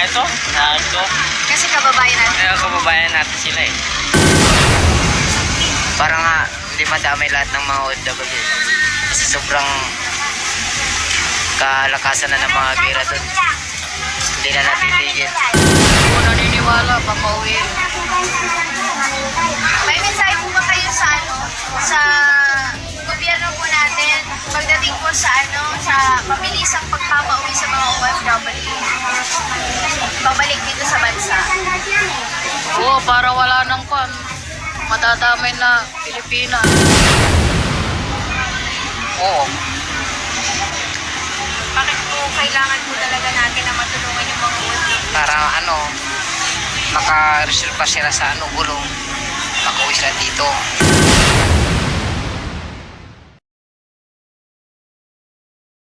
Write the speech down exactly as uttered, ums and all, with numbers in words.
Ito, na ito. Kasi kababayan natin. Kaya kababayan natin sila eh. Para nga, hindi madamay lahat ng mga O F W. Kasi sobrang kalakasan na ng mga gira doon. Hindi na napitigil. Hindi ko naniniwala, papauwi. May mensahe po ba kayo sa ano, sa gobyerno po natin pagdating po sa ano, sa mabilisang pagpapauwi sa mga O F W? Pabalik dito sa bansa. Oo, para wala nang kwan. Matadamay na Pilipinas. Oo. Bakit po kailangan po talaga natin na matulungan yung mga O F W? Para ano, makareserva sila sa ano, gulong. Makauwi sila dito.